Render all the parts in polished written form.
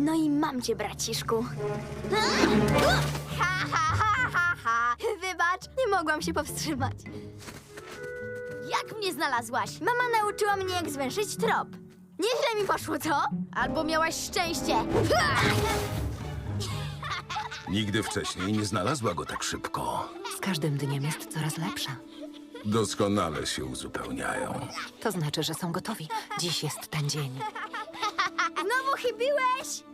No i mam cię, braciszku. Ha, ha, ha, ha, ha. Wybacz, nie mogłam się powstrzymać. Jak mnie znalazłaś? Mama nauczyła mnie, jak zwęszyć trop. Nieźle mi poszło, co? Albo miałaś szczęście. Nigdy wcześniej nie znalazła go tak szybko. Z każdym dniem jest coraz lepsza. Doskonale się uzupełniają. To znaczy, że są gotowi. Dziś jest ten dzień. Znowu chybiłeś?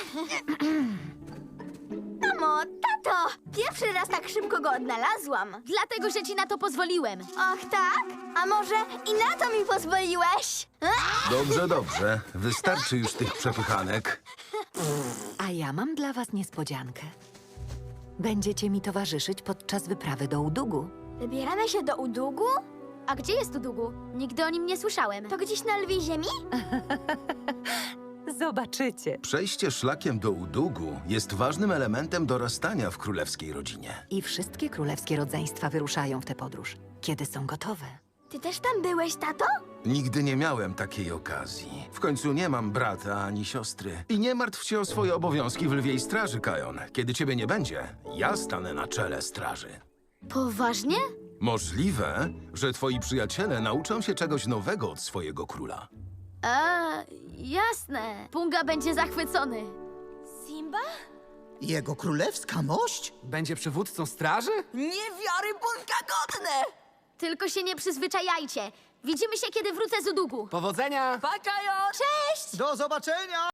Mamo, tato! Pierwszy raz tak szybko go odnalazłam. Dlatego, że ci na to pozwoliłem. Och, tak? A może i na to mi pozwoliłeś? Dobrze, dobrze. Wystarczy już tych przepychanek. A ja mam dla was niespodziankę. Będziecie mi towarzyszyć podczas wyprawy do Udugu. Wybieramy się do Udugu? A gdzie jest Udugu? Nigdy o nim nie słyszałem. To gdzieś na lwiej ziemi? Zobaczycie. Przejście szlakiem do Udugu jest ważnym elementem dorastania w królewskiej rodzinie. I wszystkie królewskie rodzeństwa wyruszają w tę podróż, kiedy są gotowe. Ty też tam byłeś, tato? Nigdy nie miałem takiej okazji. W końcu nie mam brata ani siostry. I nie martw się o swoje obowiązki w lwiej straży, Kajon. Kiedy ciebie nie będzie, ja stanę na czele straży. Poważnie? Możliwe, że twoi przyjaciele nauczą się czegoś nowego od swojego króla. Jasne. Punga będzie zachwycony. Simba? Jego królewska mość? Będzie przywódcą straży? Niewiarygodnie godne! Tylko się nie przyzwyczajajcie. Widzimy się, kiedy wrócę z Udugu. Powodzenia! Cześć! Do zobaczenia!